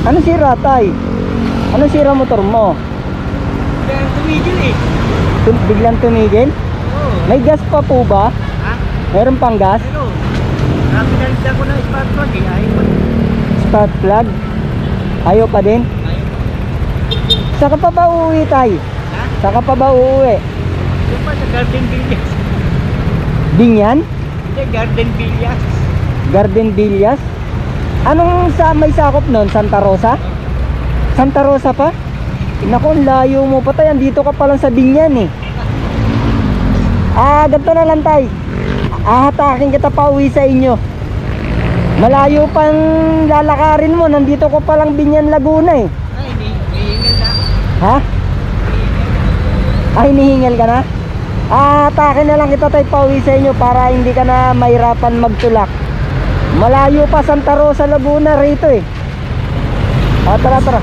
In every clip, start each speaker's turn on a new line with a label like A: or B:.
A: Ano sira, tay? Ano sira motor mo?
B: Kaya tumigil eh.
A: Biglang tumigil?
B: Oo.
A: May gas pa po ba?
B: Ha?
A: Meron pang gas?
B: Pero, pinalitan ko ng smart plug eh. Ayaw pa.
A: Spark plug? Ayaw pa din?
B: Ayaw.
A: Saka pa ba uuwi, tay?
B: Ha?
A: Saka pa ba uuwi?
B: Yung pa sa Garden Villas.
A: Binyan?
B: Hindi, Garden Villas.
A: Garden Villas? Anong may sakop nun? Santa Rosa? Santa Rosa pa? Naku, ang layo mo pa, tay. Andito ka pa lang sa Binyan eh. Ganito na lang, tay. Hatakin kita pa uwi sa inyo. Malayo pang lalakarin mo. Nandito ko pa lang Binyan, Laguna eh.
B: Ay, hinihingal na.
A: Ha? Hinihingal ka na? Hatakin na lang kita, tay, pa uwi sa inyo para hindi ka na mahirapan magtulak. Malayo pa Santa Rosa, Laguna rito eh. Tara, tara.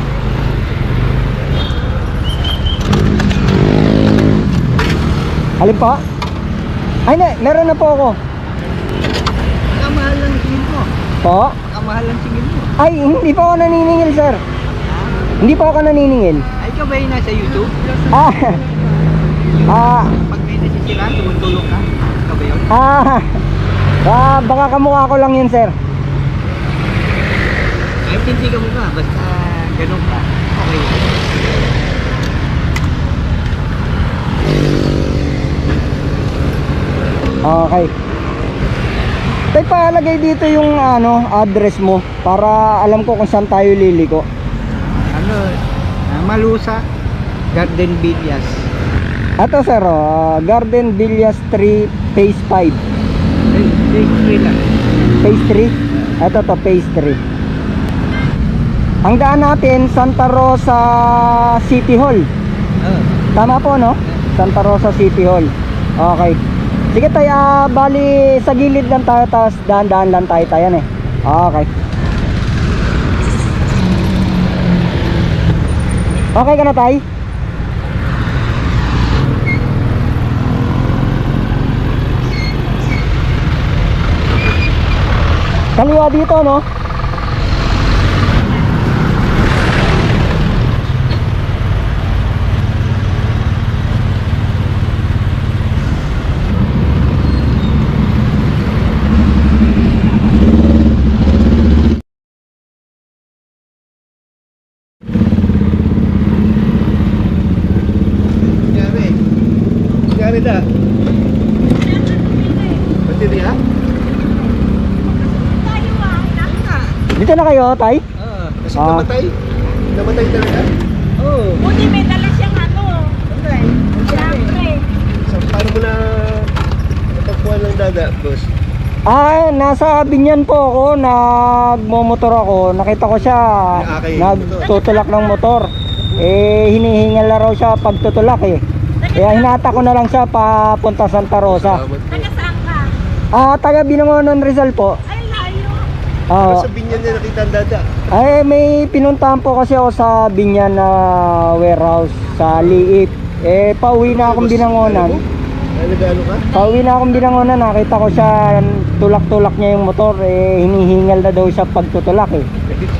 A: Alin pa? Ay, meron na po ako.
B: Kamahal lang singil mo.
A: Po?
B: Kamahal lang singil mo.
A: Ay, hindi pa ako naniningil, sir. Hindi pa ako naniningil.
B: Ay, ikaw ba yung nasa YouTube? Pag may nasisiraan, tumutulong ka. Ikaw ba yun?
A: Baka kamukha ko lang yun, sir.
B: Kahit hindi ka mukha, basta ganun ka. Okay.
A: Okay. Tay, palagay dito yung address mo para alam ko kung saan tayo liliko.
B: Malusa, Garden Villas.
A: Ito, sir, Garden Villas 3 Phase 5.
B: Phase 3 lang.
A: Phase 3? Ito to, Phase 3. Ang daan natin, Santa Rosa City Hall. Tama po, no? Santa Rosa City Hall. Okay. Sige, tayo, bali sa gilid lang tayo, tapos daan-daan lang tayo tayo eh. Okay. Okay ka na, tay? Kaliwa dito, no?
B: Gari na. Baterya?
A: Dito na kayo, tay?
B: Kasi namatay. Namatay talaga? Oo.
C: Buti may dala siyang siyempre.
B: So, paano mo na natagpuan ng dada, boss?
A: Nasa Binyan po ako, nagmomotor ako. Nakita ko siya, nagtutulak ng motor. Hinihingal na raw siya pagtutulak eh. Kaya hinata ko na lang siya papunta Santa Rosa.
C: Taga saan ka?
A: Taga Binangonan, Rizal po.
C: Ay, layo.
B: Sa Binyan niya nakita ang dada.
A: May pinuntahan po kasi ako sa Binyan na warehouse sa Liip. Pauwi na akong Binangonan.
B: Nagano ka?
A: Pauwi na akong Binangonan, nakita ko siya, tulak-tulak niya yung motor. Hinihingal na daw siya pagtutulak eh.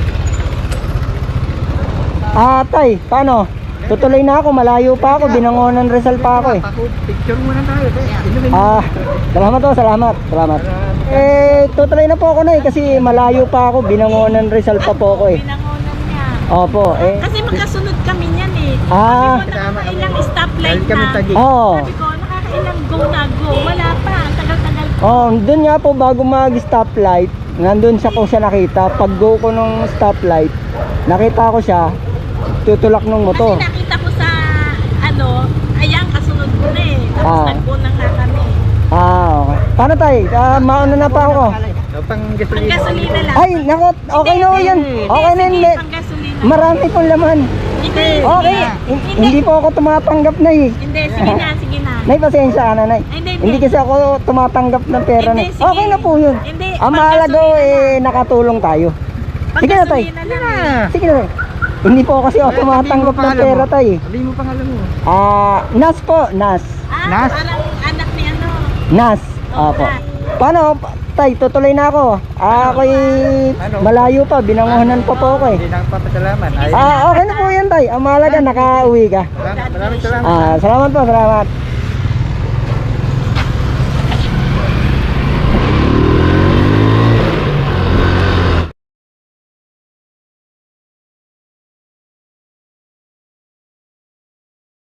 A: Tay, paano? Tutuloy na ako, malayo pa ako, Binangonan, Rizal pa ako eh.
B: Picture muna tayo.
A: Salamat po, salamat. Tutuloy na po ako na eh, kasi malayo pa ako, Binangonan, Rizal pa po ako eh.
C: Pinangonan niya.
A: Opo,
C: Kasi magkasunod kami niyan eh.
A: Ah.
C: Sabi ko, nakakailang stoplight na.
A: Oo.
C: Sabi ko, nakakailang go na go. Wala pa, ang tagal-tagal ko.
A: Doon nga po bago mag-stoplight, nandun siya ko siya nakita. Pag go ko nung stoplight, nakita ko siya, tutulak ng motor.
C: Kasi nakita ko sa, ayan, kasunod ko na eh. Tapos nag-go na nga kami.
A: Okay. Paano tayo? Mauna na pa ako.
B: Pang
C: Pang-gasolina lang.
A: Ay, nako, okay na yan. Okay na
C: Sige,
A: yan.
C: pang-gasolina.
A: Marami pong laman.
C: Hindi.
A: Okay, hindi po ako tumatanggap na eh.
C: Hindi, sige na, sige na.
A: Nay, pasensya ka na, Nay. Hindi kasi ako tumatanggap ng pera na.
C: Hindi, sige.
A: Okay na po yun.
C: Hindi,
A: Ang mahalaga
C: pang-gasolina
A: nakatulong tayo. Sige na, Tay.
C: Pang-gasolina lang.
A: Sige na, Tay. Hindi po kasi ako tumatanggap ng pera, Tay.
B: Sabihin mo pangalan mo.
A: Nas po, Nas.
C: Nas? Parang anak ni
A: Nas. Opo.
C: Nas.
A: Paano, tay, tutuloy na ako. Ako'y malayo pa, binanguhanan pa po ako eh.
B: Hindi na papasalaman.
A: Okay na po yan, tay. Ang mahalaga, nakauwi ka.
B: Maraming salamat.
A: Salamat po, salamat.